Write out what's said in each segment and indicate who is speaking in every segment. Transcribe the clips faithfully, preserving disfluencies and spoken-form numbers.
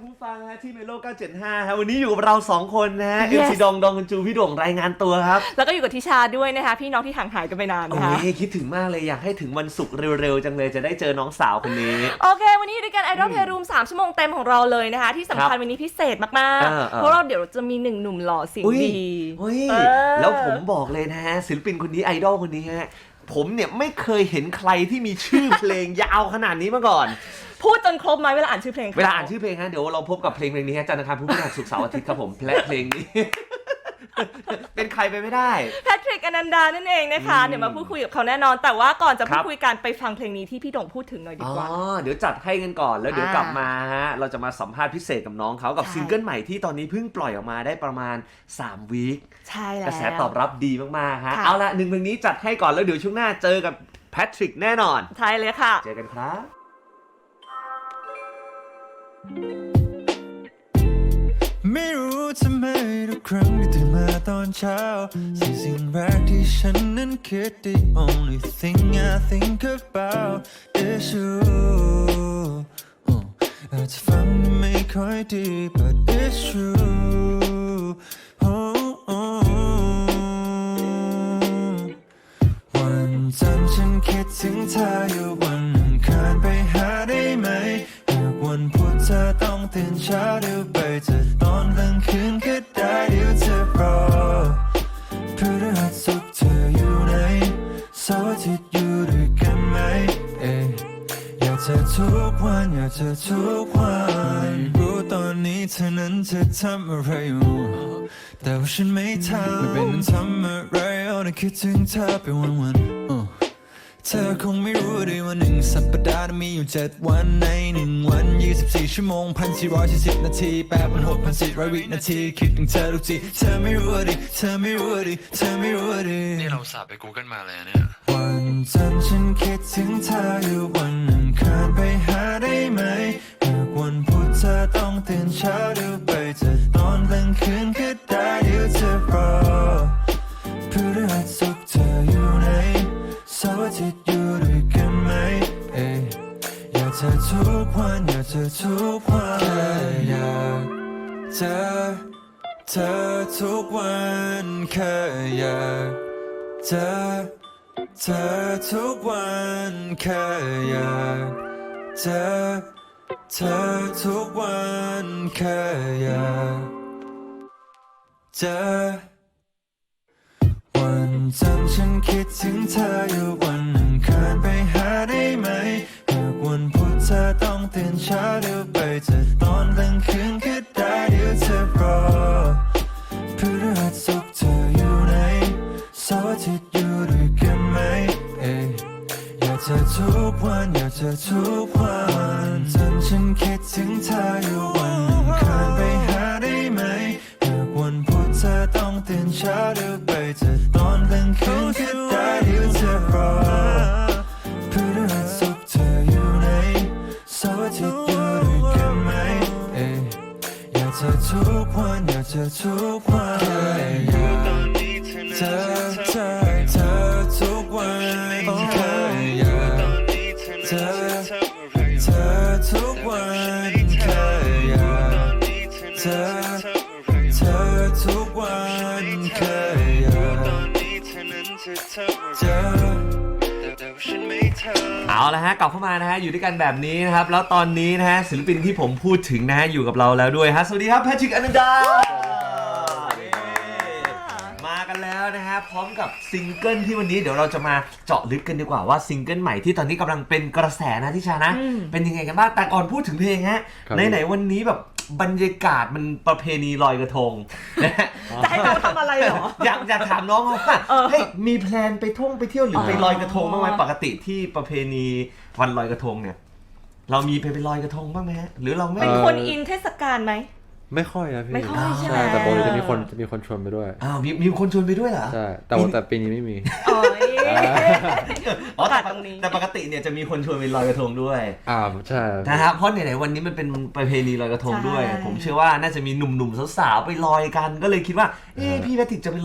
Speaker 1: คุณผู้ฟังฮะที่เมโลเก้าเจ็ดห้าครับวันนี้อยู่กับเราสองคนนะฮะ yes. เอฟ ซี ดองดองกันจูพี่โด่งรายงานตัวครับ
Speaker 2: แล้วก็อยู่กับทิชาด้วยนะคะพี่น้องที่ห่างหายกันไปนานนะคะ
Speaker 1: โอ้ยคิดถึงมากเลยอยากให้ถึงวันศุกร์เร็วๆจังเลยจะได้เจอน้องสาวคนนี้
Speaker 2: โอเควันนี้ด้วยกันไอดอลเพลย์รูมสามชั่วโมงเต็มของเราเลยนะคะที่สำคัญวันนี้พิเศษมากๆเพราะเราเดี๋ยวจะมีหนึ่งหนุ่มหล่อเสียงดี
Speaker 1: แล้วผมบอกเลยนะฮะศิลปินคนนี้ไอดอลคนนี้ฮะผมเนี่ยไม่เคยเห็นใครที่มีชื่อเพลงยาวขนาดนี้มาก่อน
Speaker 2: พูดจนครบไหมเวลาอ่านชื่อเพลง
Speaker 1: เวลาอ่านชื่อเพลงฮะเดี๋ยวเราพบกับเพลงเพลงนี้ฮะจันทร์อังคารพุธพฤหัสศุกร์เสาร์อาทิตย์ครับผมและเพลงนี้เป็นใครไปไม่ได้
Speaker 2: แพทริกอนันดานั่นเองนะคะเดี๋ยวมาพูดคุยกับเขาแน่นอนแต่ว่าก่อนจะพูดคุยกันไปฟังเพลงนี้ที่พี่โด่งพูดถึงหน่อยดีกว่า
Speaker 1: อ๋อเดี๋ยวจัดให้กันก่อนแล้วเดี๋ยวกลับมาฮะเราจะมาสัมภาษณ์พิเศษกับน้องเขากับซิงเกิลใหม่ที่ตอนนี้เพิ่งปล่อยออกมาได้ประมาณสามวีค
Speaker 2: ใช่แล้ว
Speaker 1: กระแสตอบรับดีมากๆฮะเอาละหนึ่งเพลงนี้จัดให้ก่อนแล้วเดี๋ยวช่วงหน้าเจอกับแพทริกแน่นอน
Speaker 2: ใช่เลยค่ะ
Speaker 1: เจอกันครับ
Speaker 3: ไม่รู้ทำไมทุกครั้งที่ตื่นมาตอนเช้าสิ่งสิ่งแรกที่ฉันนั้นคิด The only thing I think about is you อาจจะฟังไม่ค่อยดี but it's true วันจันทร์ฉันคิดถึงเธออยู่วันอังคารไปหาได้ไหมวันพุธเธอต้องตื่นเช้าเดี๋ยวไปจะตอนกลางคืนก็ได้เดี๋ยวเธอรอพฤหัสศุกร์เธออยู่ไหนเสาร์อาทิตย์อยู่ด้วยกันไหมเอ๊ะอยากเจอทุกวันอยากเจอทุกวันรู้ตอนนี้เธอนั้นจะทำอะไรอยู่แต่ว่าฉันไม่ทำไม่เป็นทำอะไรเอาแต่คิดถึงเธอไปวันๆเธอคงไม่รู้ดีว่าหนึ่งสัปดาห์มีอยู่เจ็ดวันในหนึ่งวันยี่สิบสี่ชั่วโมงพันสี่ร้อยสี่สิบนาทีแปดพันหกพันสี่ร้อยวินาทีคิดถึงเธอทุกทีเธอไม่รู้ดิเธอไม่รู้ดิเธอไม่รู้ดิ
Speaker 4: นี่เราสาบไป Google มาเลยเนี่ย
Speaker 3: วันจันทร์ฉันคิดถึงเธออยู่วันอังคารไปหาได้ไหมหากวันพุธเธอต้องตื่นเช้าเดี๋ยวไปจะตอนกลางคืนก็ได้เดี๋ยวเธอรอพฤหัสศุกร์เธออยู่ไหนเสาร์อาทิตย์อยู่ด้วยกันไหมเอ๊ะอยากเจอทุกวันอยากเจอทุกวันแค่อยากเจอเธอทุกวันแค่อยากเจอเธอทุกวันแค่อยากเจอเธอทุกวันแค่อยากเจอวันจันทร์ฉันคิดถึงเธออยู่วันอังคารไปหาได้ไหมหากวันพุธเธอต้องตื่นเช้าเดี๋ยวไปจะตอนกลางคืนก็ได้เดี๋ยวเธอรอพฤหัสศุกร์เธออยู่ไหนเสาร์อาทิตย์อยู่ด้วยกันไหมเอ๊ะอยากเจอทุกวันอยากเจอทุกวันจันทร์ฉันคิดถึงเธออยู่วันอังคารไปหาได้ไหมหากวันพุธเธอต้องตื่นเช้าเดี๋ยวไปจะตอนกลางคืนก็ได้เดี๋ยวเธอรอพฤหัสศุกร์เธออยู่ไหนเสาร์อาทิตย์อยู่ด้วยกันไหมเอ๊ะอยากเจอทุกวันอยากเจอทุกวันแค่อยากเจอเธอเธอทุกวันแค่อยากเจอเธอทุกวันแค่อยากเจอเธอทุกวันแค่อยากเจอ
Speaker 1: เอาละฮะกลับเข้ามานะฮะอยู่ด้วยกันแบบนี้นะครับแล้วตอนนี้นะฮะศิลปินที่ผมพูดถึงนะฮะอยู่กับเราแล้วด้วยฮะสวัสดีครับแพทริกอนันดามากันแล้วนะฮะพร้อมกับซิงเกิลที่วันนี้เดี๋ยวเราจะมาเจาะลึกกันดีกว่าว่าซิงเกิลใหม่ที่ตอนนี้กำลังเป็นกระแสนะทิชานะเป็นยังไงกันบ้างแต่ก่อนพูดถึงเพลงฮะไหนๆวันนี้แบบบรรยากาศมันประเพณีลอยกระทงนะฮะ
Speaker 2: จะให้เราทำอะไรเหรอ
Speaker 1: อยากอยากถามน้องเขาว่าเฮ้ยมีแพลนไปท่องไปเที่ยวหรือไปลอยกระทงบ้างไหมปกติที่ประเพณีวันลอยกระทงเนี่ยเรามีไปไปลอยกระทงบ้างไหมฮะหรือเราไม่
Speaker 2: เป็นคนอินเทศกาลไหม
Speaker 4: ไม่ค่อยนะพี่
Speaker 2: ไม่ค่อยใช่ไหม
Speaker 4: แต่ปกติจะมีคนจะมีคนชวนไปด้วย
Speaker 1: อ้าวมีมีคนชวนไปด้วยเหรอ
Speaker 4: ใช่แต่แต่ปีนี้ไม่มี
Speaker 2: อ๋อ
Speaker 1: อ๋อแต่ตรงนี้แต่ปกติเนี่ยจะมีคนชวนไปลอยกระทงด้วย
Speaker 4: อ่าใช่
Speaker 1: นะครับเพราะไหนๆวันนี้มันเป็นประเพณีลอยกระทงด้วยผมเชื่อว่าน่าจะมีหนุ่มๆสาวๆไปลอยกันก็เลยคิดว่าเอ๊ะพี่แพทริกจะไปลอย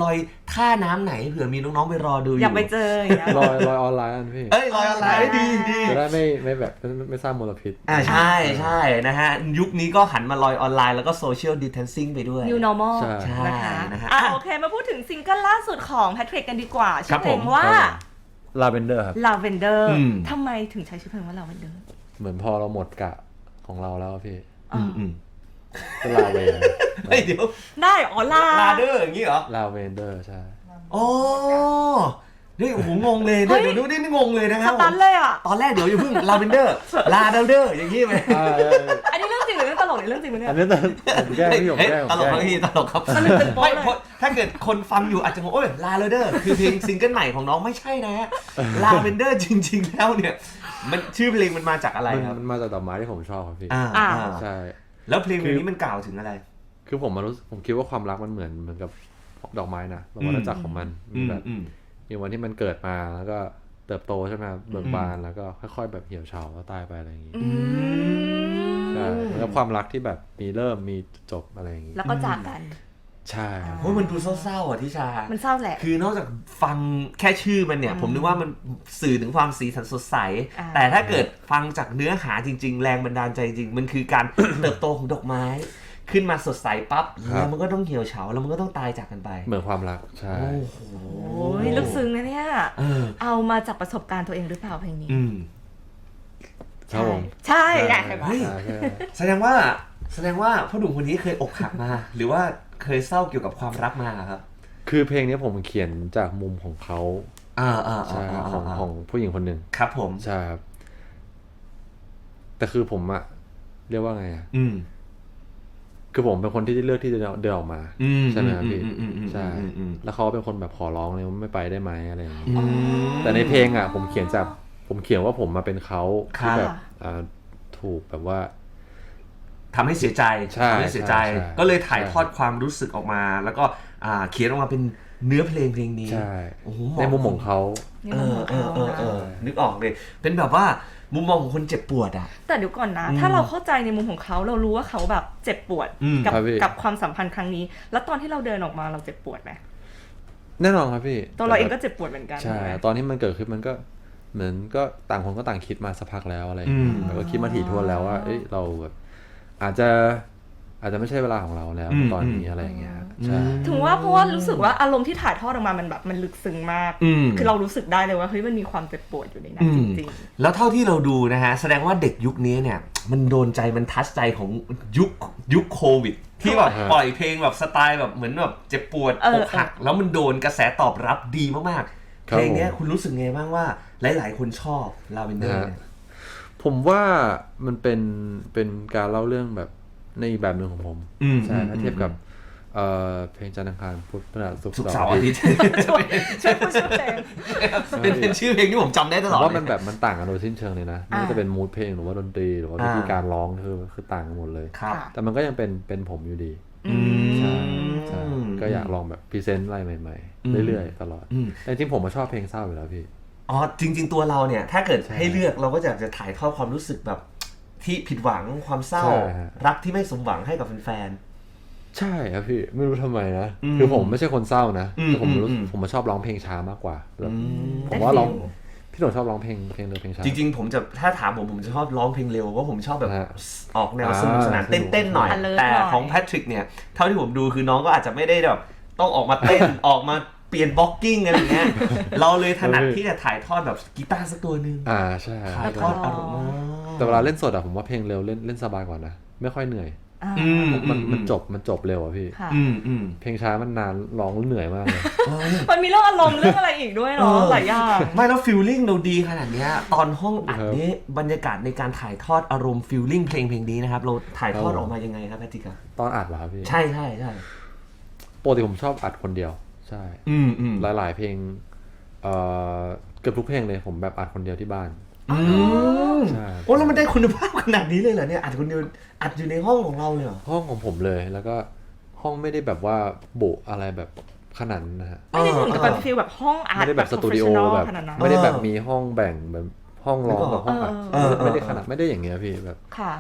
Speaker 1: ท่าน้ำไหนเผื่อมีน้องๆไปรอดูอยู่
Speaker 2: อยากไปเจออย่างเงี้ย
Speaker 4: ลอยลอยออนไลน์อันพี่
Speaker 1: เอ้ยลอยออนไลน์ดีดี
Speaker 4: จะได้ไม่ไม่แบบไม่ไม่สร้างมลพิษ
Speaker 1: อ่าใช่ใช่นะฮะยุคนี้ก็หันมาลอยออนไลน์แล้วก็โซเชียลดิสเทนซิ่งไปด้วย
Speaker 2: New normal
Speaker 4: ใช่
Speaker 1: ใช่
Speaker 2: นะคะ
Speaker 1: นะฮะ
Speaker 2: อ่ะโอเคมาพูดถึงซิงเกิลล่าสุดของแพทริกกันดีกว่า
Speaker 1: ครั
Speaker 2: ชื่
Speaker 1: บ
Speaker 2: อเพลง
Speaker 1: ผม
Speaker 2: ว่า
Speaker 4: ลาเวนเดอร์ครับ
Speaker 2: Lavender
Speaker 1: อืม
Speaker 2: ทำไมถึงใช้ชื่อเพลงว่า Lavender
Speaker 4: เหมือนพอเราหมดกะของเราแล้วอะพี่
Speaker 1: อืมอืม
Speaker 4: ก็ลาเวน
Speaker 1: เฮ้ยเดี๋ยว
Speaker 2: ได้อ๋อลา
Speaker 1: ลาเดอร์อย่างนี้เหรอ
Speaker 4: ลาเวนเดอร์ใช่
Speaker 1: อ๋อนี่โอ้โหงงเลย
Speaker 2: เฮ้
Speaker 1: เดี๋ย
Speaker 2: ยว
Speaker 1: เดี๋ยวนี่นี่งงเลยนะค
Speaker 2: ส
Speaker 1: รับ
Speaker 2: ตันเลยอ่ะ
Speaker 1: ตอนแรกเดี๋ยวอย่าเพิ่งลาเวนเดอร์ลาเดอร์อย่างนี้ไหม
Speaker 4: อ่า
Speaker 2: อันนี้เรื่องจริงหรือเรื่องตลกหรือเรื่องจริงวะเนี่ย
Speaker 4: อันนี้ตอนผมแกล้งพี่ผม
Speaker 1: เฮ้ย
Speaker 4: แกล้งผ
Speaker 1: ต
Speaker 4: ม
Speaker 1: ลก
Speaker 4: แก
Speaker 1: ค
Speaker 4: ล้
Speaker 1: รับ
Speaker 4: ง
Speaker 1: พี่ตลกครับ
Speaker 2: สนุกเป็นโป๊ะ
Speaker 1: ไม่
Speaker 2: เลย
Speaker 1: เพราะถ้าเกิดคนฟังอยู่อาจจะงงโอ้ยลาเดอร์คือเพลงซิงเกิลใหม่ของน้องไม่ใช่นะฮะลาเวนเดอร์จริง ๆ แล้วเนี่ยมันชื่อเพลงมันมาจากอะไร
Speaker 4: มัน
Speaker 1: ครับ
Speaker 4: มันมาจากดอกไม้ที่ผมชอบครับพี่
Speaker 1: อ่า
Speaker 2: อ่า
Speaker 1: อ่า
Speaker 4: ใช่
Speaker 1: แล้วเพลงเพลงนี้มันกล่าวถึงอะไร
Speaker 4: คือผมมารู้สึกผมคิดว่าความรักมันเหมือนเหมือนกับดอกไม้นะแบบวัฏจักรของมันมีแบบ
Speaker 1: อืม
Speaker 4: มีวันที่มันเกิดมาแล้วก็เติบโตใช่ไหมเบิกบานแล้วก็ค่อยๆแบบเหี่ยวเฉาแล้วตายไปอะไรอย่างงี้
Speaker 2: อืม
Speaker 4: ใช่แล้วความรักที่แบบมีเริ่มมีจบอะไรอย่างงี้
Speaker 2: แล้วก็จากกัน
Speaker 4: ใช่ครับ
Speaker 1: โอ้ยมันดูเศร้าๆอ่ะทิชา
Speaker 2: มันเศร้าแหละ
Speaker 1: คือนอกจากฟังแค่ชื่อมันเนี่ย ผมนึกว่ามันสื่อถึงความสีสันสดใส
Speaker 2: อ่า
Speaker 1: แต่ถ้าเกิดฟังจากเนื้อหาจริง ๆ แรงบันดาลใจจริง มันคือการ เติบโตของดอกไม้ ขึ้นมาสดใสปั๊บแล้วมันก็ต้องเหี่ยวเฉาแล้วมันก็ต้องตายจากกันไป
Speaker 4: เหมือนความรักใช่
Speaker 1: โอ้โห
Speaker 2: โอ้ยลึกซึ้งนะเนี่ย
Speaker 1: เออ
Speaker 2: เอามาจากประสบการณ์ตัวเองหรือเปล่าเพลงนี้
Speaker 1: อืม
Speaker 4: ครับผม
Speaker 2: ใช่ใช่ไง
Speaker 1: เฮ้ย
Speaker 4: ใช่ใช่
Speaker 1: แสดงว่าแสดงว่าพ่อหนุ่มคนนี้เคยอกหักมา หรือว่าเคยเศร้าเกี่ยวกับความรักมาครับ
Speaker 4: คือเพลงนี้ผมเขียนจากมุมของเขา
Speaker 1: อ่าอ่า
Speaker 4: ใช่ครับของ
Speaker 1: า
Speaker 4: ของผู้หญิงคนหนึ่ง
Speaker 1: ครับผม
Speaker 4: ใช่ครับแต่คือผมอะเรียกว่าไงอะ
Speaker 1: อืม
Speaker 4: คือผมเป็นคนที่เลือกที่จะเดินออกมา
Speaker 1: อืม
Speaker 4: ใช่ไหมครับพี่
Speaker 1: อืมอืมอืม
Speaker 4: ใช่
Speaker 1: อืมอืม
Speaker 4: แล้วเขาเป็นคนแบบขอร้องเลยว่าไม่ไปได้ไหมอะไรอย่างนี้
Speaker 1: อืม
Speaker 4: แต่ในเพลงอะผมเขียนจากผมเขียนว่าผมมาเป็นเขา
Speaker 1: ครับ
Speaker 4: ที่แบบอ่าถูกแบบว่า
Speaker 1: ทำให้เสียใจ
Speaker 4: ใช่
Speaker 1: ทำให้เสียใจ
Speaker 4: ใช่ใช่
Speaker 1: ก็เลยถ่าย
Speaker 4: ใช่
Speaker 1: ทอดความรู้สึกออกมา แล้วก็อ่าเขียนออกมาเป็นเนื้อเพลงเพลงนี้
Speaker 4: ใช่
Speaker 1: โอ้โห
Speaker 4: ในมุมของเขา
Speaker 2: นี่
Speaker 1: เอ
Speaker 2: มัน
Speaker 1: อ
Speaker 2: ของ
Speaker 1: เออ
Speaker 2: เขา
Speaker 1: เออเออ
Speaker 2: นะ
Speaker 1: นึกออกเลย เป็นแบบว่ามุมมองของคนเจ็บปวดอ่ะ
Speaker 2: แต่เดี๋ยวก่อนนะ
Speaker 1: อืม
Speaker 2: ถ้าเราเข้าใจในมุมของเขาเรารู้ว่าเขาแบบเจ็บปวด
Speaker 1: อืม
Speaker 2: กับ
Speaker 4: ครับพี่
Speaker 2: กับความสัมพันธ์ครั้งนี้ แล้วตอนที่เราเดินออกมาเราเจ็บปวดไหม
Speaker 4: แน่นอนครับพี่
Speaker 2: ตัวเราเองก็เจ็บปวดเหมือนกัน
Speaker 4: ใช่
Speaker 2: ถูกไหม
Speaker 4: ตอนที่มันเกิดขึ้นมันก็เหมือนก็ต่างคนก็ต่างคิดมาสักพักแล้วอะไรอย่างเงี้ย
Speaker 1: อืม
Speaker 4: แล้วก็คิดมาถี่ถ้วนแล้วว่าเอ้ยเราแบบอาจจะอาจจะไม่ใช่เวลาของเราแล้ว
Speaker 1: อืม
Speaker 4: ตอนนี้อะไรอย่างเงี้ยครับใช่
Speaker 2: ถึงว่าเพราะว่ารู้สึกว่าอารมณ์ที่ถ่ายทอดออกมามันแบบมันลึกซึ้งมาก
Speaker 1: อืม
Speaker 2: คือเรารู้สึกได้เลยว่าเฮ้ยมันมีความเจ็บปวดอยู่ในนั้
Speaker 1: อื
Speaker 2: นจ
Speaker 1: ม
Speaker 2: ริง
Speaker 1: แล้วเท่าที่เราดูนะฮะ แสดงว่าเด็กยุคนี้เนี่ย มันโดนใจมันทัชใจของยุคยุคโควิด ที่แบบ
Speaker 4: อ่าฮะ
Speaker 1: ปล่อยเพลงแบบสไตล์แบบเหมือนแบบเจ็บปวด
Speaker 2: เออ
Speaker 1: อกหัก แล้วมันโดนกระแสตอบรับดีมากๆ
Speaker 4: ครับ
Speaker 1: เพลงเนี้ยคุณรู้สึกไงบ้างว่าหลายๆ คนชอบลาเวนเดอร์เนี่ย
Speaker 4: ผมว่ามันเป็นเป็นการเล่าเรื่องแบบในอีกแบบหนึ่งของผม
Speaker 1: อืม
Speaker 4: ใช่
Speaker 1: อืม
Speaker 4: ถ้าเทียบกับเอ่อเพลงจันทร์อังคารพุธพฤหัสศุกร์
Speaker 1: สุกร์
Speaker 4: เสา
Speaker 1: เสา
Speaker 4: ร์
Speaker 1: ร์
Speaker 4: อา
Speaker 1: อา
Speaker 4: ทิ
Speaker 1: ทิ
Speaker 4: ต
Speaker 1: ต
Speaker 4: ย์
Speaker 1: ย์
Speaker 2: ช่วยช่วยพูดชื่อเพลง
Speaker 1: เป็นเป็นชื่อเพลงที่ผมจำได้ต
Speaker 4: ผ
Speaker 1: ลอ
Speaker 4: ม
Speaker 1: ด
Speaker 4: ว่า
Speaker 1: เล
Speaker 4: มัน
Speaker 1: ย
Speaker 4: แบบมันต่างกันโดยสิ้นเชิงเลยนะไม่ว่าจะเป็นมูดเพลงหรือว่าดนตรีหรือว่าวิธี
Speaker 1: อ่า
Speaker 4: การร้องคือคือต่างกันหมดเลย
Speaker 1: ครับ
Speaker 2: ค่ะ
Speaker 4: แต่มันก็ยังเป็นเป็นผมอยู่ดี
Speaker 2: อืม
Speaker 4: ใช่ใช่ก็อยากลองแบบพรีเซนต์อะไรใหม่
Speaker 1: อืม
Speaker 4: ๆ เรื่อยๆ ตลอด
Speaker 1: อืม
Speaker 4: แต่จริงๆผมก็ชอบเพลงเศร้าอยู่แล้วพี่
Speaker 1: อ๋อจริง ๆ ตัวเราเนี่ย ถ้าเกิด
Speaker 4: ใช่
Speaker 1: ให้เลือกเราก็อยากจะถ่ายทอดความรู้สึกแบบที่ผิดหวังความเศร้า
Speaker 4: ใช่ฮะ
Speaker 1: รักที่ไม่สมหวังให้กับแฟน
Speaker 4: ใช่ครับพี่ไม่รู้ทำไมนะ
Speaker 1: อืม
Speaker 4: คือผมไม่ใช่คนเศร้านะ
Speaker 1: อืม
Speaker 4: แต่ผมรู้
Speaker 1: อืม
Speaker 4: ผมมาชอบร้องเพลงช้ามากกว่าแบบ
Speaker 1: อืม
Speaker 4: ผมว่าร้อง
Speaker 2: ได้ฟิล
Speaker 4: พี่หนุ่มชอบร้องเพลงเพลงเร็วเพลงช้า
Speaker 1: จริง ๆ ผมจะถ้าถามผมผมจะชอบร้องเพลงเร็วเพราะผมชอบแบบ
Speaker 4: ฮะ
Speaker 1: ออกแนว
Speaker 4: อ่า
Speaker 1: สนุกสนาน
Speaker 4: สนุก
Speaker 1: เต้นๆหน่อย
Speaker 2: alert
Speaker 1: แต่
Speaker 2: หน่อย
Speaker 1: ของแพทริกเนี่ย เท่าที่ผมดูคือน้องก็อาจจะไม่ได้แบบต้องออกมาเต้น ออกมาเปลี่ยนบล็อกกิ้งอะไรอย่างเงี้ยเราเลยถนัดที่จะถ่ายทอดแบบกีตาร์สักตัวหนึ่ง
Speaker 4: อ่าใช่
Speaker 1: ถ่ายทอดอารมณ์
Speaker 4: แต่เวลาเล่นสดอะผมว่าเพลงเร็วเล่นเล่นสบายกว่านะไม่ค่อยเหนื่อย
Speaker 2: อ่า
Speaker 1: อืม
Speaker 4: มันมันจบมันจบเร็วอะพี่
Speaker 2: ค่ะ
Speaker 1: อืมอืม
Speaker 4: เพลงช้ามันนานร้องเหนื่อยมากเลย
Speaker 2: มันมีเรื่องอารมณ์เรื่องอะไรอีกด้วยเนาะ
Speaker 1: เออ
Speaker 2: หลายอย่าง
Speaker 1: ไม่แล้วฟิลลิ่งเราดีขนาดเนี้ยตอนห้องอัด
Speaker 4: ครับ
Speaker 1: นี้บรรยากาศในการถ่ายทอดอารมณ์ฟิลลิ่งเพลงเพลงนี้นะครับเราถ่ายทอด
Speaker 4: ครับ
Speaker 1: ออกมายังไงครับแพทริกครับ
Speaker 4: ตอนอัดเหรอครับพี่
Speaker 1: ใช่ใช่ใช่
Speaker 4: ปกติผมชอบอัดคนเดียว ใช่
Speaker 1: อืมอืม
Speaker 4: หลายๆเพลงเอ่อเกือบทุกเพลงเลยผมแบบอัดคนเดียวที่บ้าน
Speaker 1: อืม
Speaker 4: ใช่
Speaker 1: โอ้แล้วมันได้คุณภาพขนาดนี้เลยเหรอเนี่ยอัดคนเดียวอัดอยู่ในห้องของเราเลยเหรอ
Speaker 4: ห้องของผมเลยแล้วก็ห้องไม่ได้แบบว่าโบะอะไรแบบขนาดนั้นนะฮะ
Speaker 2: ไม่ได้เหมือนกับเป็นฟีลแบบห้องอาร์ต
Speaker 4: ไม่ได้แบบสตูดิโอ
Speaker 2: professional
Speaker 4: แบบ
Speaker 2: ขนาดนั้น
Speaker 4: ไม่ได้แบบมีห้องแบ่งแบบห้องร้องกับห้องอัด
Speaker 2: เออ
Speaker 4: ไม่ได้ไม่ได้ขนาดไม่ได้อย่างเงี้ยพี่แบบ
Speaker 2: ค่ะ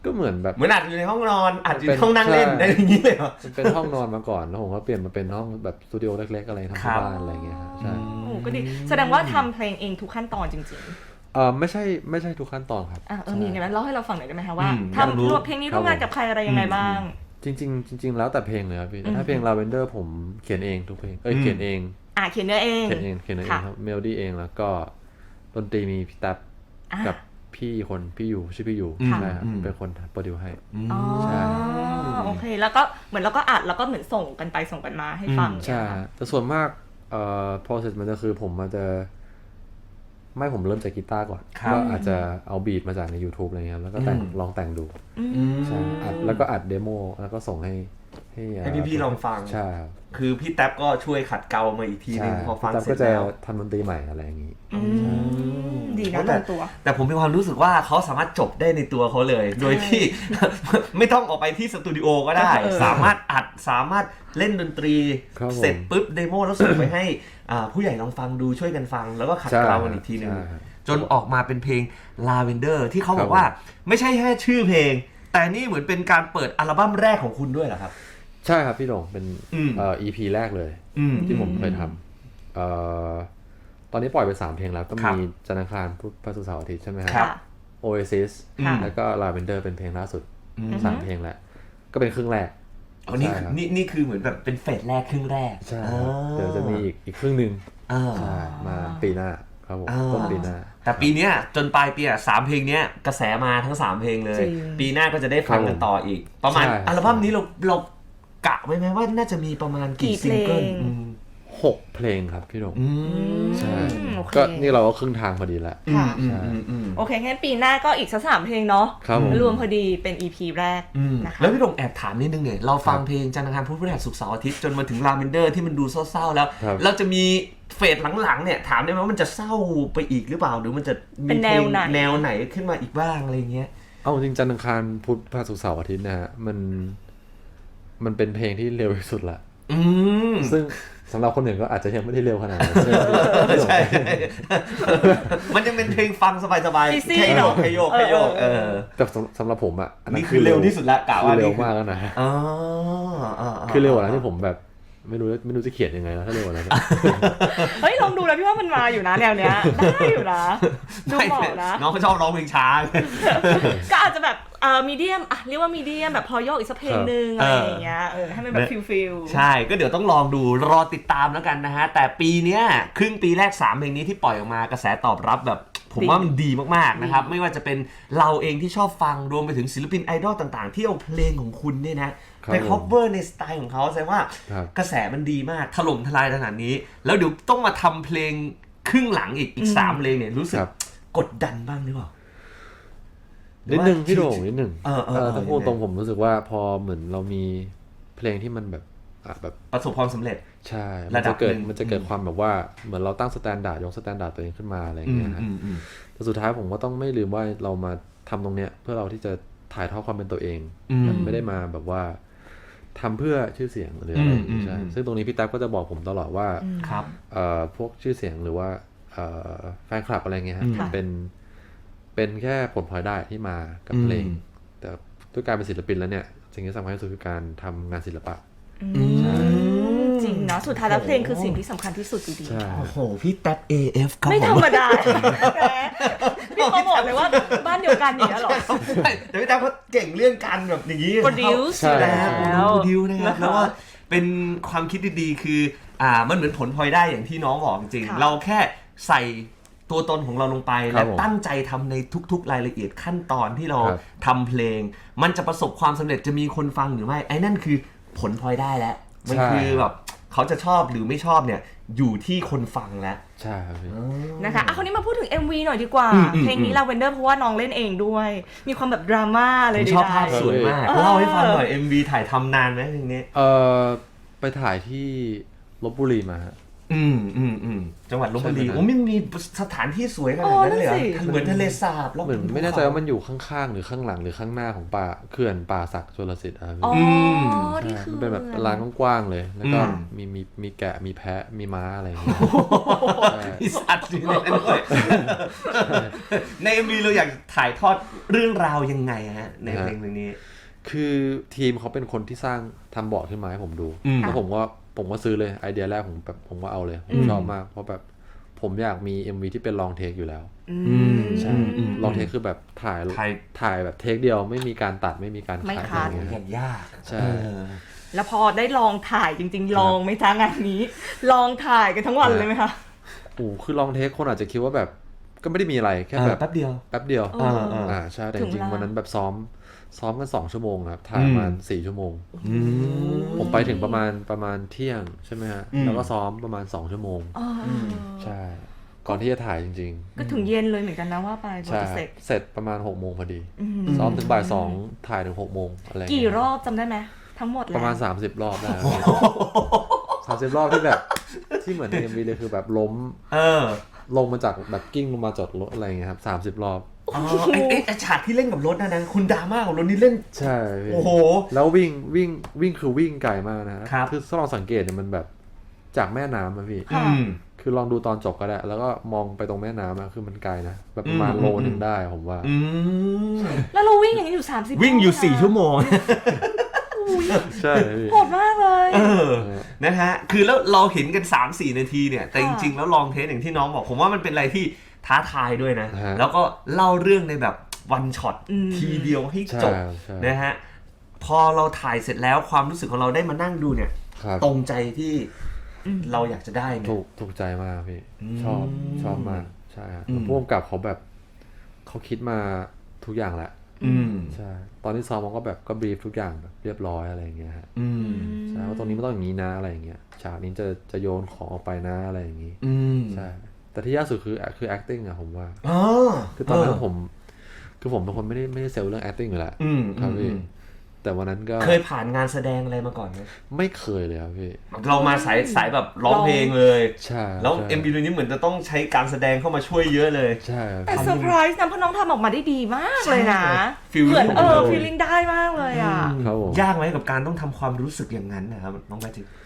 Speaker 4: ก็เหมือนแบบ
Speaker 1: เหมือนอัดอยู่ในห้องนอนอัดอยู่
Speaker 4: เป็
Speaker 1: ใน
Speaker 4: น
Speaker 1: ห้องนั่งเล่น
Speaker 4: ใช่
Speaker 1: ได้อย่างนี้เลยเหรอ
Speaker 4: มันเป็นห้องนอนมาก่อนแล้วผมก็เปลี่ยนมาเป็นห้องแบบสตูดิโอเล็กๆอะไรทำ
Speaker 1: ครั
Speaker 4: ที่
Speaker 1: บ
Speaker 4: บ้านอะไรเงี้ยครับใช่
Speaker 2: โอ้ก็ดีแสดงว่าทำเพลงเองทุกขั้นตอนจริง
Speaker 4: เออไม่ใช่ไม่ใช่ทุกขั้นตอนครับ
Speaker 2: ๆอ่ะเออมีไงบ้างเล่าให้เราฟังหน่อยได้ไหมคะว่า
Speaker 1: อืมอยากรู้
Speaker 2: ทำรวมเพลงนี้ร่วมงานกับใครอะไรยังไงบ้าง
Speaker 4: จริงๆจริงๆแล้วแต่เพลงเลยครับพี่แต่ถ้าเพลง Lavender ผมเขียนเองทุกเพลงเอ้ย
Speaker 1: อืม
Speaker 4: เขียนเอง
Speaker 2: อ่ะเขียนเนื้อเอง
Speaker 4: เขียนเองเขียนเอง
Speaker 2: ค่ะ
Speaker 4: ครับเมโลดี้เองแล้วก็ดนตรีมีพี่ตั๊บ
Speaker 2: อ่ะ
Speaker 4: กับพี่คนพี่อยู่ชื่อพี่อยู่
Speaker 1: อืม
Speaker 4: ใช่ครับ
Speaker 1: อืม
Speaker 4: เป็นคนโปรดิวให้
Speaker 2: อ๋อ
Speaker 4: ใช่
Speaker 2: โอเคแล้วก็เหมือนเราก็อัดแล้วก็เหมือนส่งกันไปส่งกันมาให้ฟัง
Speaker 4: ใช่
Speaker 2: เนี่ยค่ะ
Speaker 4: ฮะแต่ส่วนมากเอ่อ process มันจะคือผมมันจะไม่ผมเริ่มจากกีตาร์ก่อน
Speaker 1: ครับ
Speaker 4: ก็อาจจะเอาบีทมาจากใน YouTube อะไรเงี้ยครับแล้วก็แต่ง
Speaker 1: อืม
Speaker 4: ลองแต่งดู
Speaker 2: อืม
Speaker 4: ใช่อัดแล้วก็อัดเดโมแล้วก็ส่งให้ให้
Speaker 1: ให้พี่ๆลองฟัง
Speaker 4: ใช่ครับ
Speaker 1: คือพี่แท็บก็ช่วยขัดเกลามาอีกทีนึ
Speaker 4: ใช่
Speaker 1: งพอฟัง
Speaker 4: พี่
Speaker 1: เส
Speaker 4: ตั๊
Speaker 1: ร็
Speaker 4: บ
Speaker 1: จ
Speaker 4: ก็จะ
Speaker 1: แล้ว
Speaker 4: ทำดนตรีใหม่อะไรอย่างงี้
Speaker 2: อืมดีนะ
Speaker 1: แต่
Speaker 2: ลงตัว
Speaker 1: แต่ผมมีความรู้สึกว่าเขาสามารถจบได้ในตัวเขาเลย โดยที่ ไม่ต้องออกไปที่สตูดิโอก็ได้
Speaker 2: เออ
Speaker 1: สามารถอัดสามารถเล่นดนตรี
Speaker 4: ครับผม
Speaker 1: เสร็จปุ๊บเดโมแล้วส่งไปให้อ่าผู้ใหญ่ลองฟังดูช่วยกันฟัง แล้วก็ขัด
Speaker 4: ใช่
Speaker 1: เกลากันอีกทีนึง
Speaker 4: ใช่
Speaker 1: จนออกมาเป็นเพลง Lavender ที่เขาบอ
Speaker 4: ครั
Speaker 1: ก
Speaker 4: บ
Speaker 1: ว่าไม่ใช่แค่ชื่อเพลง แต่นี่เหมือนเป็นการเปิดอัลบั้มแรกของคุณด้วยเหรอครับ
Speaker 4: ใช่ครับพี่โด่งเป็น
Speaker 1: อืม
Speaker 4: เอ่อ อี พี แรกเลย
Speaker 1: อืม
Speaker 4: ที่ผมเคยทำเอ่อตอนนี้ปล่อยไปสามเพลงแล้วก็
Speaker 1: ครับ
Speaker 4: มีจันทร์อังคารพุธพฤหัสศุกร์เสาร์อาทิตย์ใช่ไหม
Speaker 1: ครับ
Speaker 4: Oasis
Speaker 1: ค่ะ
Speaker 4: แล้วก็ Lavender เป็นเพลงล่าสุด
Speaker 1: อืม
Speaker 4: สามเพลงแหละ ก็เป็นครึ่งแรก
Speaker 1: อ๋อนี่
Speaker 4: ใช่ครับ
Speaker 1: นี่นี่คือเหมือนแบบเป็นเฟสแรกครึ่งแรก
Speaker 4: ใช่
Speaker 1: อ่า
Speaker 4: เดี๋ยวจะมีอีกอีกครึ่งหนึ่ง
Speaker 1: อ่า
Speaker 4: ใช่มาปีหน้าครับผม
Speaker 1: อ่า
Speaker 4: ต้นปีหน้า
Speaker 1: แต่ปีเนี้ยจนปลายปีอ่ะสามเพลงเนี้ยกระแสมาทั้งสามเพลงเลย
Speaker 2: จริง
Speaker 1: ปีหน้าก็จะได้ฟังกันต่ออีก ประมาณ
Speaker 4: ใช่
Speaker 1: อัลบั้มนี้เราเรากะไว้ไหมว่าน่าจะมีประมาณกี่
Speaker 2: กี่
Speaker 1: ซิงเกิล
Speaker 2: เพลง
Speaker 1: อืม
Speaker 4: หกเพลงครับพี่โด่ง
Speaker 1: อืม
Speaker 4: ใช่
Speaker 2: โอเค
Speaker 4: ก็นี่เราก็ครึ่งทางพอดีแล้ว
Speaker 2: ค่ะ
Speaker 1: อืมอืมอืม
Speaker 2: โอเคงั้นปีหน้าก็อีกสักสามเพลงเนาะ
Speaker 4: ครับผม
Speaker 2: รวมพอดีเป็น อี พี แรก
Speaker 1: อืม
Speaker 2: นะคะ
Speaker 1: แล้วพี่ดงแอบถามนิดนึงเนี่ยเราฟัง
Speaker 4: ครับ
Speaker 1: เพลงจันทร์อังคารพุธพฤหัสศุกร์เสาร์อาทิตย์จนมาถึงลาเวนเดอร์ที่มันดูเศร้าๆแล้ว
Speaker 4: ครับ
Speaker 1: เราจะมีเฟสหลังๆเนี่ยถามได้ไหมว่ามันจะเศร้าไปอีกหรือเปล่าหรือมันจะมี
Speaker 2: เป็นแนวไหน
Speaker 1: พลงแนวไหนขึ้นมาอีกบ้างอะไรเงี้ย
Speaker 4: เอาจริงจันทร์อังคารพุธพฤหัสศุกร์เสาร์อาทิตย์นะฮะมันมันเป็นเพลงที่เร็วที่สุดละ
Speaker 1: อืม
Speaker 4: ซึ่งสำหรับคนอื่นก็อาจจะยังไม่ได้เร็วขนาดนั้น
Speaker 1: ใช่ มันยังเป็นเพลงฟังสบายๆ
Speaker 2: Easy
Speaker 1: แค่โย
Speaker 2: เน
Speaker 1: ก
Speaker 2: อะ
Speaker 1: แค่โยกแค่โยก
Speaker 2: เอ
Speaker 1: เอ
Speaker 2: อ
Speaker 1: อ
Speaker 4: แต่สำสำหรับผมอ่ะอันนั้น
Speaker 1: นี่คือเร็วที่สุดละกะ
Speaker 4: คื
Speaker 1: ว่า
Speaker 4: อเร็ว
Speaker 1: นี่คือ
Speaker 4: มากแล้วนะ
Speaker 1: อ๋ออ๋อ
Speaker 4: คือเร็วกว่านั้นที่ผมแบบไม่รู้ไม่รู้จะเขียนยังไงแล้วถ้าเร็วกว่านั้น
Speaker 2: เฮ้ยลองดูนะพี่ว่ามันมาอยู่นะแนวเนี้ยได้อยู่นะดูเหมาะนะ
Speaker 1: น้องเขาชอบร้องเพลงช้า
Speaker 2: ก็อาจจะแบบเอ่อมีเดียมอ่ะเรียกว่ามีเดียมแบบพอโยกอีกสักเพลงหนึ่ง
Speaker 1: เอ
Speaker 2: อะไร
Speaker 1: อ
Speaker 2: อย่างเงี้ยเออให้มันแบบฟิลฟิล
Speaker 1: ใช่ ก็เดี๋ยวต้องลองดูรอติดตามแล้วกันนะฮะ แต่ปีเนี้ยครึ่งปีแรกสามเพลงนี้ที่ปล่อยออกมากระแสตอบรับแบบ ผมว่ามันดีมากๆนะครับ ไม่ว่าจะเป็นเราเองที่ชอบฟังรวมไปถึงศิลปินไอดอลต่างๆ ที่เอาเพลงของคุณเนี่ยนะ
Speaker 4: ครับ
Speaker 1: ไป cover ในสไตล์ของเขาแสดงว่า
Speaker 4: ครับ
Speaker 1: กระแสมันดีมากถล่มทลายขนาดนี้ แล้วเดี๋ยวต้องมาทำเพลงครึ่งหลังอีกอีกสามเพลงเนี่ยรู้สึก
Speaker 4: ครับ
Speaker 1: กดดันบ้างหรือเปล่า
Speaker 4: นิดนึงพี่โด่งนิดนึง
Speaker 1: เออเออเออ
Speaker 4: ถ้าพูดตรงผมรู้สึกว่าพอเหมือนเรามีเพลงที่มันแบบอ่ะแบบ
Speaker 1: ประสบความสำเร็จ
Speaker 4: ใช่
Speaker 1: ระ
Speaker 4: มัน
Speaker 1: ดั
Speaker 4: จะ
Speaker 1: บ
Speaker 4: เกิด
Speaker 1: หนึ่ง
Speaker 4: มันจะเกิดความแบบว่าเหมือนเราตั้งสแตนดาร์ดยกสแตนดาร์ดตัวเองขึ้นมาอะไรอย่างเงี้ยฮะ
Speaker 1: อืมอืม
Speaker 4: แต่สุดท้ายผมก็ต้องไม่ลืมว่าเรามาทำตรงเนี้ยเพื่อเราที่จะถ่ายทอดความเป็นตัวเอง
Speaker 1: อืม
Speaker 4: มันไม่ได้มาแบบว่าทำเพื่อชื่อเสียงหรืออะไร
Speaker 1: อืมอืม
Speaker 4: ใช่
Speaker 1: อืม
Speaker 4: ซึ่งตรงนี้พี่แท็บก็จะบอกผมตลอดว่า
Speaker 1: ครับ
Speaker 4: เอ่อพวกชื่อเสียงหรือว่าเอ่อแฟนคลับอะไรเงี้ยฮะ
Speaker 1: อืม
Speaker 4: มันเป็นเป็นแค่ผลพลอยได้ที่มากับ
Speaker 1: อืม
Speaker 4: เพลง แต่ด้วยการเป็นศิลปินแล้วเนี่ยสิ่งที่สำคัญที่สุดคือการทำงานศิลปะ
Speaker 2: อืมจริงเนาะสุดท้ายแล้วเพลงคือสิ่งที่สำคัญที่สุดอยู่ดี
Speaker 4: ใช่
Speaker 1: โอ้โห พี่แท็บ เอ เอฟ ครับ
Speaker 2: ไม่
Speaker 1: ผ
Speaker 2: ธรรมดาแหมพี่เขาบอกเลยว่าบ้านเดียวกันอย่างเงี้ยเหรอ
Speaker 1: ใช่แต่พี่แท็บเขาเก่งเรื่องการแบบอย่างนี้
Speaker 2: Produce
Speaker 4: ใช่
Speaker 1: แล้ว
Speaker 2: แล้ว
Speaker 1: โปรดิวนะครับ
Speaker 2: นะคะ
Speaker 1: แล้วก็เป็นความคิดดีๆคืออ่ามันเหมือนผลพลอยได้อย่างที่น้องบอกจริง
Speaker 2: ค่ะ
Speaker 1: เราแค่ใส่ตัวตนของเราลงไป
Speaker 4: ครั
Speaker 1: และ
Speaker 4: บผม
Speaker 1: ตั้งใจทำในทุกๆรายละเอียดขั้นตอนที่เรา
Speaker 4: ครับ
Speaker 1: ทำเพลง มันจะประสบความสำเร็จจะมีคนฟังหรือไม่ไอ้นั่นคือผลพลอยได้แล้วมัน
Speaker 4: ใช่
Speaker 1: คือแบบเขาจะชอบหรือไม่ชอบเนี่ยอยู่ที่คนฟังแล้ว
Speaker 4: ใช่ครับพี่
Speaker 2: นะคะอ่ะคนนี้มาพูดถึง เอ็ม วี หน่อยดีกว่า
Speaker 1: อืมอืม
Speaker 2: เพลงนี้ Lavender เพราะว่าน้องเล่นเองด้วย มีความแบบดราม่าอะไร
Speaker 1: ผม
Speaker 2: ดี
Speaker 1: ชอบภาพ
Speaker 2: ๆ
Speaker 1: สวยมาก
Speaker 2: เออ
Speaker 1: เล่าให้ฟังหน่อย เอ็ม วี ถ่ายทำนานไหมเพลงนี้
Speaker 4: เออไปถ่ายที่ลบบุรีมาฮะ
Speaker 1: ออืมอืมอืมจังหวัดลพบุรี
Speaker 4: ใช่ไหม
Speaker 1: โอ้ไม่มีสถานที่สวยขนาดนั้นเลยเหรอ
Speaker 2: โอ้นั่นสิ
Speaker 1: เหมือนทะเลสาบแล้ว
Speaker 4: เหมือนไม่แน่ใจว่ามันอยู่ข้างๆหรือข้างหลังหรือข้างหน้าของป่าเขื่อนป่าศักดิ์ชลสิทธิ์อะครับ
Speaker 2: อ๋อ
Speaker 4: ใช่
Speaker 2: ที่คือ
Speaker 4: มันเป็นแบบลานกว้างๆเลย แล้วก็
Speaker 1: อืม
Speaker 4: มีมีมีแกะมีแพะมีม้าอะไรอย่างเงี้ย ใช่
Speaker 1: มีสัตว์อยู่ในนั้นด้วยใน เอ็ม วี เราอยากถ่ายทอดเรื่องราวยังไงฮะในเพลงเพลงนี้
Speaker 4: คือทีมเขาเป็นคนที่สร้างทำบอร์ดขึ้นมาให้ผมดู
Speaker 1: อืม
Speaker 4: แล้วผมก็ผมก็ซื้อเลยไอเดียแรกผมแบบผมก็เอาเลยผมชอบมากเพราะแบบผมอยากมี เอ็ม วี ที่เป็นลองเทคอยู่แล้ว
Speaker 1: อืม
Speaker 4: ใช่
Speaker 1: อืม
Speaker 4: ลองเทคคือแบบถ่าย
Speaker 1: ถ่าย
Speaker 4: ถ่ายแบบเทคเดียวไม่มีการตัดไม่มีการ
Speaker 2: ไม่
Speaker 4: คัด
Speaker 2: คัด
Speaker 4: อะไร
Speaker 1: อ
Speaker 4: เงี้ย
Speaker 1: ย่างยาก
Speaker 4: ใช่
Speaker 1: เออ
Speaker 2: แล้วพอได้ลองถ่ายจริงๆ ลองไหมจ๊ะงานนี้ ลองถ่ายกันทั้งวันเลยไหมคะ
Speaker 4: โอ้คือลองเทคคนอาจจะคิดว่าแบบก็ไม่ได้มีอะไรแค่
Speaker 1: เออ
Speaker 4: แบบ
Speaker 1: แป๊บเดียว
Speaker 4: แป๊บเดียว
Speaker 2: เอออ่
Speaker 4: อ่าใช่แต่
Speaker 2: ถึ
Speaker 4: จ
Speaker 2: ง
Speaker 4: ริง
Speaker 2: เวลา
Speaker 4: ๆวันนั้นแบบซ้อมซ้อมกันสองชั่วโมงครับถ่าย
Speaker 1: อืม
Speaker 4: ประมาณสี่ชั่วโมง
Speaker 1: อืม
Speaker 4: ผมไปถึงประมาณประมาณเที่ยงใช่ไหมฮะ
Speaker 1: อืม
Speaker 4: แล้วก็ซ้อมประมาณสองชั่วโมง
Speaker 2: อ๋ออ
Speaker 4: ใช่ ก่อนที่จะถ่ายจริง
Speaker 2: ก็ถึงเย็นเลยเหมือนกันนะว่าไป
Speaker 4: ๆ
Speaker 2: โปร
Speaker 4: ใช่
Speaker 2: เจกต์
Speaker 4: เสร็จประมาณหกโมงพอดี
Speaker 2: อืม
Speaker 4: ซ้อมถึงบ่ายสองถ่ายถึงหกโมงอะไรเงี้ย
Speaker 2: กี่รอบจำได้ไหมทั้งหมดแล้ว
Speaker 4: ประมาณสามสิบรอบได้สามสิบรอบที่แบบที่เหมือนในเอ็มวีเลยคือแบบล้ม
Speaker 1: เออ
Speaker 4: ลงมาจากแบบกิ้งลงมาจอดรถอะไรเงี้ยครับสามสิบรอบ
Speaker 1: อ๋อไอ้ไอ้ไอ้ฉากที่เล่นกับรถนะนะคุณดราม่ากับรถนี่เล่น
Speaker 4: ใช่พี่
Speaker 1: โอ้โห
Speaker 4: แล้ววิ่งวิ่งวิ่งคือวิ่งไกลมากนะครับ คือถ้าลองสังเกตเนี่ยมันแบบจากแม่น้ำอะพี่
Speaker 1: อืม
Speaker 4: คือลองดูตอนจบก็ได้ แล้วก็มองไปตรงแม่น้ำอะคือมันไกลนะ แบบประมาณ
Speaker 1: อืม
Speaker 4: โลนึงได้ผมว่า
Speaker 1: อืม
Speaker 2: แล้วเราวิ่งอย่างนี้อยู่สามสิบ
Speaker 1: วิ่งอยู่สี่ชั่วโมง
Speaker 4: ใช่พี่
Speaker 2: โหดมากเลย
Speaker 1: เออ นะฮะ คือแล้วเราเห็นกัน สามสี่ นาทีเนี่ย แต่จ
Speaker 2: ค่ะ
Speaker 1: ริงๆ แล้วลองเทสอย่างที่น้องบอก ผมว่ามันเป็นอะไรที่ท้าทายด้วยนะ
Speaker 4: ฮะ
Speaker 1: แล้วก็เล่าเรื่องในแบบวันช็อต
Speaker 2: อืม
Speaker 1: ทีเดียวให้
Speaker 4: ใช่
Speaker 1: จบ
Speaker 4: ใช่
Speaker 1: นะฮะ พอเราถ่ายเสร็จแล้วความรู้สึกของเราได้มานั่งดูเนี่ย
Speaker 4: ครับ
Speaker 1: ตรงใจที่เราอยากจะได้เนี่ย
Speaker 4: ถูกถูกใจมากพี่
Speaker 1: อืม
Speaker 4: ชอบชอบมาก ใช่ฮะ
Speaker 1: อืม
Speaker 4: ผู้กำกับเขาแบบเขาคิดมาทุกอย่างแหละ
Speaker 1: อืม
Speaker 4: ใช่ ตอนที่ซ้อมมันก็แบบก็บรีฟทุกอย่างแบบเรียบร้อยอะไรอย่างเงี้ยฮะ
Speaker 1: อืม
Speaker 4: ใช่ว่าตรงนี้มันต้องอย่างนี้นะอะไรอย่างเงี้ย ฉากนี้จะจะโยนของออกไปนะอะไรอย่างงี้
Speaker 1: อืม
Speaker 4: ใช่ แต่ที่ยากสุดคือคือ acting อะผมว่า
Speaker 1: อ๋อ
Speaker 4: คือตอนนั้นผม คือผมเป็นคนไม่ได้ไม่ได้เซลล์เรื่อง acting อยู่แล้ว
Speaker 1: อืม
Speaker 4: ครับพี่
Speaker 1: อืม
Speaker 4: แต่วันนั้นก็
Speaker 1: เคยผ่านงานแสดงอะไรมาก่อนไหม
Speaker 4: ไม่เคยเลยครับพี่
Speaker 1: เรามาสายสายแบบร้องเพลงเลย
Speaker 4: ใช่
Speaker 1: แล้ว
Speaker 4: ใช่
Speaker 1: เอ็ม วี ตัวนี้เหมือนจะต้องใช้การแสดงเข้ามาช่วยเยอะเลย
Speaker 4: ใช่ครับ
Speaker 2: แต่เซอร์ไพรส์นะเพราะน้องทำออกมาได้ดีมากเลยนะ
Speaker 1: ฟีลลิ่ง
Speaker 2: เหมือนเออ
Speaker 1: เลย
Speaker 2: ฟีลลิ่งได้มากเลยอ่ะ
Speaker 4: ครับผม
Speaker 1: ยากไหมกับการต้องทำความรู้สึกอย่างนั้นนะครับน้องแพทริก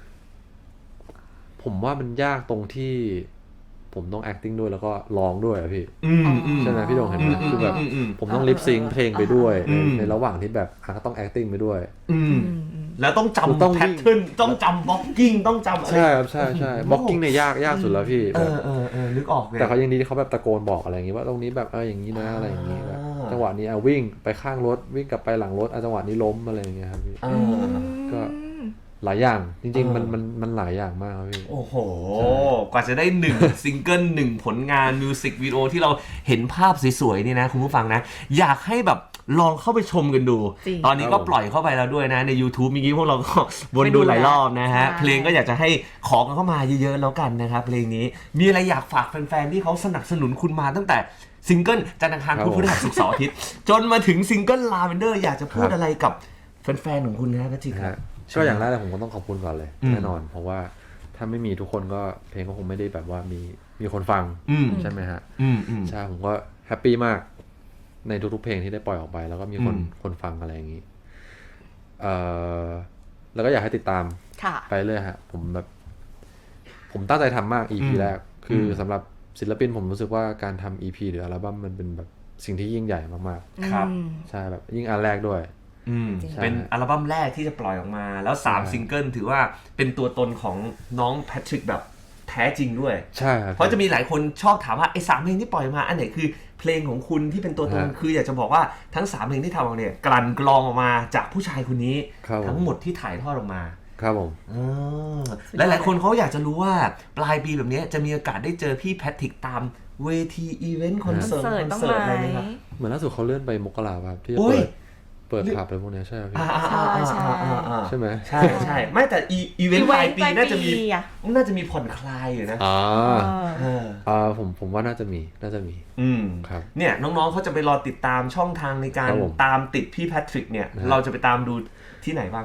Speaker 4: ผมว่ามันยากตรงที่ ผมต้อง acting ด้วยแล้วก็ร้องด้วยอะพี่
Speaker 1: อืมอืม
Speaker 4: ใช่ไหมพี่โดงเห็นไหม
Speaker 1: อืม
Speaker 4: คือแบบ
Speaker 1: อืมอืม
Speaker 4: ผมต้องลิปซิงเพลงไปด้วย
Speaker 1: อืม
Speaker 4: ในระหว่างที่แบบอ่ะก็ต้อง acting ไปด้วย
Speaker 1: อืมแล้วต้อง
Speaker 4: คือต้อง
Speaker 1: จำแพ
Speaker 4: วิ่
Speaker 1: ท
Speaker 4: ง
Speaker 1: เทิร์นต้องจำบล็อกกิ้งต้องจำอะไร
Speaker 4: ใช่ครับใช่ใช่บล็อกกิ้งเนี่ยยากยากสุดแล้วพี่
Speaker 1: เอ
Speaker 4: แบบ
Speaker 1: อเออเออนึกออกเลย
Speaker 4: แต่เขายังดีที่เขาแบบตะโกนบอกอะไรอย่างงี้ว่าตรงนี้แบบเอออย่างนี้นะอะไรอย่างงี้แบบ
Speaker 1: อ่า
Speaker 4: จังหวะนี้อ่ะวิ่งไปข้างรถวิ่งกลับไปหลังรถอ่ะจังหวะนี้ล้มอะไรอย่างเงี้ยครับพี่
Speaker 1: เออ
Speaker 4: ก็ หลายอย่างจริง
Speaker 1: เออ
Speaker 4: ๆมันมันมันหลายอย่างมากครับพี่
Speaker 1: โอ้โห กว่าจะได้หนึ่ง ซิงเกิลหนึ่งผลงานมิวสิกวิดีโอที่เราเห็นภาพสวยๆนี่นะคุณผู้ฟังนะ อยากให้แบบลองเข้าไปชมกันดู
Speaker 2: จริง
Speaker 1: ตอนนี้ก็ปล่อยเข้าไปแล้วด้วยนะใน YouTube เมื่อกี้พวกเราก็ วนดูหลายรอบนะฮะ
Speaker 2: ใช่
Speaker 1: เพลงก็อยากจะให้ขอกันเข้ามาเยอะๆแล้วกันนะครับเพลงนี้มีอะไรอยากฝากแฟนๆที่เขาสนับสนุนคุณมาตั้งแต่ซิงเกิลจันทร์อังคารพุธพฤหัสศุกร์เสาร์อาทิตย์จนมาถึงซิงเกิลลาเวนเดอร์อยากจะพูดอะไรกับแฟนๆของคุณนะแพทริก
Speaker 4: นะ
Speaker 1: ครั
Speaker 4: ฮะ
Speaker 1: บ
Speaker 4: ก็อย่างแรกเลยผมก็ต้องขอบคุณก่อนเลย
Speaker 1: อืม
Speaker 4: แน่นอน เพราะว่าถ้าไม่มีทุกคนก็เพลงก็คงไม่ได้แบบว่ามีมีคนฟัง
Speaker 1: อืม
Speaker 4: ใช่ไหมฮะ
Speaker 1: อืมอืม
Speaker 4: ใช่ผมก็แฮปปี้มากในทุกๆเพลงที่ได้ปล่อยออกไป แล้วก็มีคน
Speaker 1: อืม
Speaker 4: คนฟังอะไรอย่างนี้เอ่อแล้วก็อยากให้ติดตาม
Speaker 2: ค่ะ
Speaker 4: ไปเรื่อยฮะผมแบบ ผมตั้งใจทำมาก อี พี แรก คือสำหรับศิลปินผมรู้สึกว่าการทำ อี พี หรืออัลบั้มมันเป็นแบบสิ่งที่ยิ่งใหญ่มาก
Speaker 1: ครับ
Speaker 2: อืม
Speaker 4: ๆใช่แบบยิ่งอันแรกด้วย
Speaker 1: อืม
Speaker 2: จริง
Speaker 1: เป็นอัลบั้มแรกที่จะปล่อยออกมา แล้วสาม
Speaker 4: ใช่
Speaker 1: ซิงเกิลถือว่าเป็นตัวตนของน้องแพทริกแบบแท้จริงด้วย
Speaker 4: ใช่ครับ
Speaker 1: เพราะจะมีหลายคนชอบถามว่าไอ้สามเพลงที่ปล่อยมาอันไหนคือเพลงของคุณที่เป็นตัวตน
Speaker 4: ฮะ
Speaker 1: คืออยากจะบอกว่าทั้งสามเพลงที่ทำออกเนี่ยกลั่นกรองออกมาจากผู้ชายคนนี้
Speaker 4: ครับผม
Speaker 1: ทั้งหมดที่ถ่ายทอดออกมา
Speaker 4: ครับผม
Speaker 1: อ่าหลายๆคนเขาอยากจะรู้ว่าปลายปีแบบนี้จะมีโอกาสได้เจอพี่แพทริกตามเวทีอีเวนต์คอน
Speaker 2: คอน
Speaker 1: เสิร์ต
Speaker 2: เสิร์ต
Speaker 1: คอน
Speaker 2: ต้อง
Speaker 1: เสิร์ต
Speaker 2: ไห
Speaker 1: อะไร
Speaker 2: ม
Speaker 1: ไหมครับ
Speaker 4: เหมือนล่าสุดเขาเลื่อนไปมกราครับที่จะ
Speaker 1: โอ้ย
Speaker 4: เปิดเปิดผับอะไรพวกเนี้ยใช่ไหมพี่
Speaker 1: อ่าอ่าอ่าอ่าอ่าอ่า
Speaker 4: ใช่ไหม
Speaker 1: ใช่ใช่ไม่แต่อีอีเวนต์ปลายปีน่าจะมี
Speaker 2: อ่ะ
Speaker 1: น่าจะมีผ่อนคลายอยู่นะ
Speaker 4: อ่า
Speaker 1: เออ
Speaker 4: อ่าผมผมว่าน่าจะมีน่าจะมี
Speaker 1: อืม
Speaker 4: ครับ
Speaker 1: เนี่ยน้องๆเขาจะไปรอติดตามช่องทางในการ
Speaker 4: ครับผม
Speaker 1: ตามติดพี่แพทริกเนี่ย
Speaker 4: นะฮะ
Speaker 1: เราจะไปตามดูที่ไหนบ้างครับ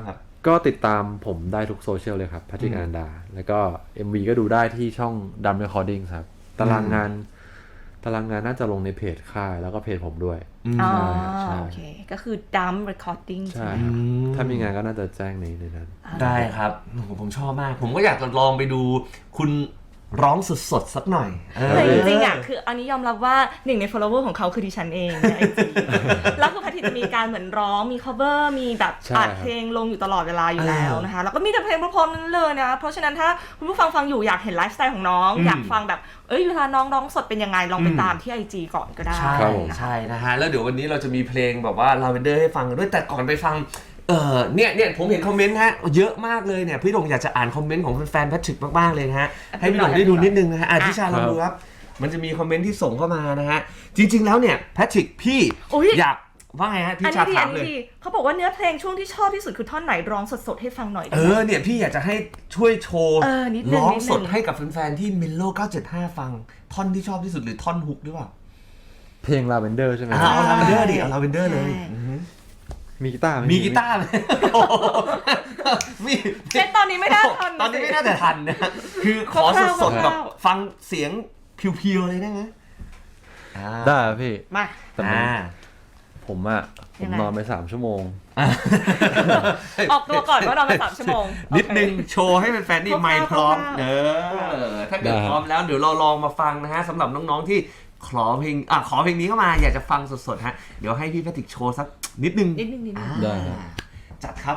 Speaker 4: ก็ติดตามผมได้ทุกโซเชียลเลยครับแพทริกอนันดาแล้วก็ เอ็ม วี ก็ดูได้ที่ช่อง Drum Recording ครับตารางงานตารางงานน่าจะลงในเพจค่ายแล้วก็เพจผมด้วย
Speaker 2: อ๋อ
Speaker 4: ใช่
Speaker 2: โอเคก็คือ Dumb Recording ใช่
Speaker 4: ใช่
Speaker 2: ไหม
Speaker 4: ครับ
Speaker 1: อืม
Speaker 4: ถ้ามีงานก็น่าจะแจ้งในในนั้น
Speaker 1: ได้ครับโอ้โหผมชอบมาก ผมก็อยากจะลองไปดูคุณร้องสดๆสักหน่อยเออ
Speaker 2: แต่จริงๆอ่ะคืออันนี้ยอมรับว่าหนึ่งใน follower ของเขาคือดิฉันเองในไอจีแล้วคือแพทริกจะมีการเหมือนร้องมี cover มีแบบ
Speaker 4: ใช่
Speaker 2: อัดเพลงลงอยู่ตลอดเวลาอยู่แล้วนะคะแล้วก็มีแต่เพลงเพราะๆนั้นเลยนะเพราะฉะนั้นถ้าคุณผู้ฟังฟังอยู่อยากเห็นไลฟ์สไตล์ของน้อง
Speaker 1: อืม
Speaker 2: อยากฟังแบบเอ้ยเวลาน้องร้องสดเป็นยังไงลองไป
Speaker 1: อืม
Speaker 2: ตามที่ ไอ จี ก่อนก็ได้
Speaker 1: ใช่
Speaker 4: ครับผม
Speaker 1: ใช่นะฮะแล้วเดี๋ยววันนี้เราจะมีเพลงแบบว่าลาเวนเดอร์ให้ฟังกันด้วยแต่ก่อนไปฟังเออเนี่ยเนี่ยผมเห็นคอมเมนต์ฮะเยอะมากเลยเนี่ยพี่ดงอยากจะอ่านคอมเมนต์ของแฟนๆแพทริกมากๆเลยนะฮะให้พี่ดงได้ดูนิดนึงนะฮะอ่ะพี่ชาลองดูครับมันจะมีคอมเมนต์ที่ส่งเข้ามานะฮะจริง ๆแล้วเนี่ยแพทริกพี่
Speaker 2: อุ๊ย
Speaker 1: อยากว่าไงฮะพี่
Speaker 2: อัน
Speaker 1: ชา
Speaker 2: นี้ดี
Speaker 1: ถา
Speaker 2: อั
Speaker 1: ม
Speaker 2: น
Speaker 1: เล
Speaker 2: นี้
Speaker 1: ย
Speaker 2: ดีเขาบอกว่าเนื้อเพลงช่วงที่ชอบที่สุดคือท่อนไหนร้องสดๆให้ฟังหน่อยได้
Speaker 1: เอ
Speaker 2: ไหม
Speaker 1: อเนี่ยพี่อยากจะให้ช่วยโชว์
Speaker 2: เออนิดนึง
Speaker 1: ร้อง
Speaker 2: นิดนึง
Speaker 1: สดให้กับแฟนๆที่เมโลเก้าเจ็ดห้าฟังท่อนที่ชอบที่สุดหรือท่อนฮุกหรือเปล่า
Speaker 4: เพลง Lavender ใช่ไหม
Speaker 1: อ่าเอาลาเวนเดอร์ดิเอาลาเวนเดอร์เลย
Speaker 2: ใช่
Speaker 1: อือฮึ
Speaker 4: มีกีตาร์ไห
Speaker 1: มีกีตาร์ไหมโอ้โหมี
Speaker 2: เช่นตอนนี้ไม่ได้ทัน
Speaker 1: ตอนนี้ไม่น่าจะทันนะคือขอสดๆแบบฟังเสียงเพียวๆเลยได้ไหมอ่า
Speaker 4: ได้ครับพี่
Speaker 2: มา
Speaker 4: แต่มัน
Speaker 1: อ่า
Speaker 4: ผมอะผ
Speaker 2: ยั
Speaker 4: ม
Speaker 2: งไง
Speaker 4: นอนไปสามชั่วโมง
Speaker 2: ออกตัวก่อนว่านอนมาสามชั่วโมง
Speaker 1: นิดนึง
Speaker 2: โอเค
Speaker 1: โชว์ให้แฟนๆนี่ไมค์พร้อม
Speaker 2: คร่าวๆ
Speaker 1: เออถ้าเกิด
Speaker 4: ได้
Speaker 1: พร้อมแล้วเดี๋ยวเราลองมาฟังนะฮะสำหรับน้องๆที่ขอเพลงอ่ะขอเพลงนี้เข้ามาอยากจะฟังสดๆฮะเดี๋ยวให้พี่แพทริกโชว์สักนิดนึง
Speaker 2: นิดนึงนิดนึง
Speaker 1: อ่า
Speaker 4: ได้ครับ
Speaker 1: จัดครับ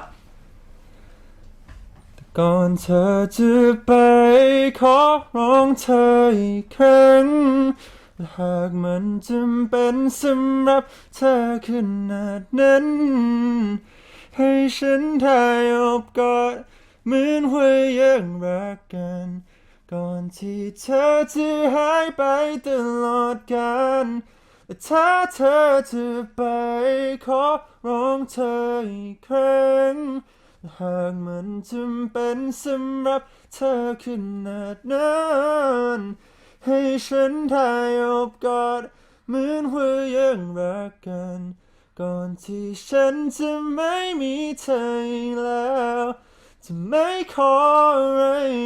Speaker 3: ก่อนเธอจะไปขอร้องเธออีกครั้งหากมันจำเป็นสำหรับเธอขนาดนั้น ให้ฉันได้อบกอดเหมือนว่ายังรักกัน ก่อนที่เธอจะหายไปตลอดกาลถ้าเธอจะไปขอร้องเธออีกครั้ง หากมันจำเป็นสำหรับเธอขนาดนั้นให้ฉันได้อบกอดเหมือนว่ายังรักกัน ก่อนที่ฉันจะไม่มีเธออีกแล้วจะไม่ขออะไร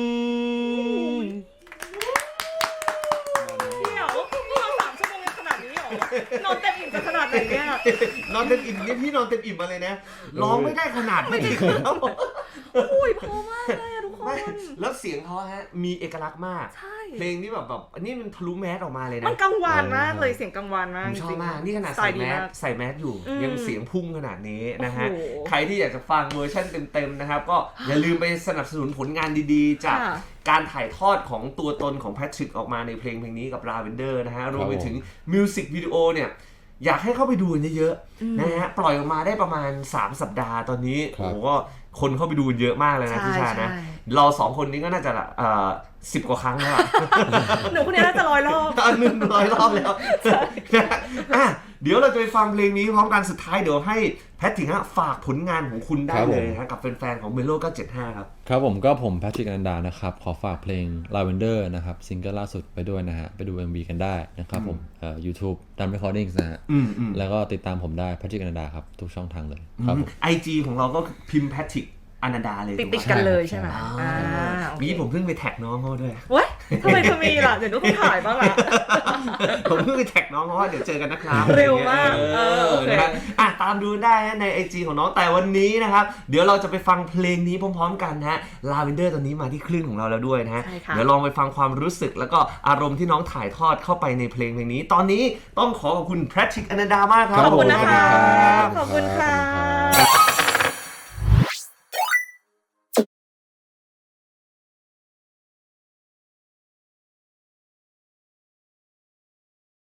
Speaker 2: เดี๋ยวนี่เราสามชั่วโมงยังขนาดนี้เหรอนอนเต็มอิ่มจะขนาดไหนเนี่ย
Speaker 1: นอนเต็มอิ่มนี่พี่นอนเต็มอิ่มมาเลยนะร้องไม่ได้ขนาดนี้ครับ
Speaker 2: อุ้ยพอมากเลยอะทุกคน
Speaker 1: ไม่แล้วเสียงเขาฮะมีเอกลักษณ์มาก
Speaker 2: ใช่
Speaker 1: เพลงนี้แบบแบบอันนี้มันทะลุแมสออกมาเลยนะ
Speaker 2: มันกังวานมากเลยเสียงกังวานมาก
Speaker 1: ผมชอบมากนี่ขนาด
Speaker 2: สไต
Speaker 1: ใส่
Speaker 2: ล์
Speaker 1: แมส
Speaker 2: าก
Speaker 1: ใส่แมสอยู่
Speaker 2: อืม
Speaker 1: ยังเสียงพุ่งขนาดนี้นะฮะ
Speaker 2: โอ้โห
Speaker 1: ใครที่อยากจะฟังเวอร์ชันเต็มๆนะครับ ก็อย่าลืมไปสนับสนุนผลงานดีๆ จาก
Speaker 2: ค่ะ
Speaker 1: การถ่ายทอดของตัวตนของแพทริกออกมาในเพลงเพลงนี้กับ Lavender นะฮะรวมไปถึงมิวสิกวิดีโอเนี่ยอยากให้เข้าไปดูกันเยอะๆนะฮะปล่อยออกมาได้ประมาณสามสัปดาห์ตอนนี้
Speaker 4: ครั
Speaker 1: โอ้
Speaker 4: บ
Speaker 1: โหก็คนเข้าไปดูเยอะมากเลยนะ
Speaker 2: ใช่
Speaker 1: พี่ชานะ
Speaker 2: ใช่
Speaker 1: เราสองคนนี้ก็น่าจะเอ่อสิบกว่าครั้งแล้วอะ
Speaker 2: หนูคนนี้น่าจะร้อยรอบ
Speaker 1: อันหนึ่งร้อยรอบแล้วนะอ่ะเดี๋ยวเราจะไปฟังเพลงนี้พร้อมกันสุดท้ายเดี๋ยวให้แพทริกฮะฝากผลงานของคุณได้
Speaker 4: ครับผม
Speaker 1: เลยนะกับแฟนๆของเมโลเก้าเจ็ดห้าครับ
Speaker 4: ครับผมก็ผมแพทริกอนันดานะครับ ขอฝากเพลง Lavender นะครับซิงเกิลล่าสุดไปด้วยนะฮะ ไปดู เอ็ม วี กันได้นะครับผมเอ่อ YouTube Drum Recording นะฮะ
Speaker 1: อืมอืม
Speaker 4: แล้วก็ติดตามผมได้แพทริกอนันดาครับ ทุกช่องทางเลยครับผม
Speaker 1: ไอจีของเราก็พิมพ์แพทริกอนันดาเลย
Speaker 2: ติด
Speaker 1: ถู
Speaker 2: ติด
Speaker 1: ไหม
Speaker 2: กันเลยใช่ไหม
Speaker 1: อ่า
Speaker 2: อ่าโอเค
Speaker 1: นี้ผมเพิ่งไปแท็กน้องเขาด้วย
Speaker 2: เว้ยทำไมเธอมีล่ะ เดี๋ยวหนูต้องถ่ายบ้างล่ะ
Speaker 1: ผมเพิ่งไปแท็กน้องเขาว่าเดี๋ยวเจอกันนะครับ
Speaker 2: เร็วมาก
Speaker 1: เอ
Speaker 2: เออ
Speaker 1: อ
Speaker 2: โอเค
Speaker 1: นะครับอ่ะตามดูได้นะในไอจีของน้องแต่วันนี้นะครับเดี๋ยวเราจะไปฟังเพลงนี้พร้อมๆกันนะฮะ Lavender ตอนนี้มาที่คลื่นของเราแล้วด้วยนะฮะ
Speaker 2: ใช่ค่ะ
Speaker 1: เดี๋ยวลองไปฟังความรู้สึกแล้วก็อารมณ์ที่น้องถ่ายทอดเข้าไปในเพลงเพลงนี้ ตอนนี้ต้องขอขอบคุณแพทริกอนันดามากครับ
Speaker 2: ขอบคุณนะคะ
Speaker 4: ขอบคุณครับ
Speaker 2: ขอบคุณค่ะ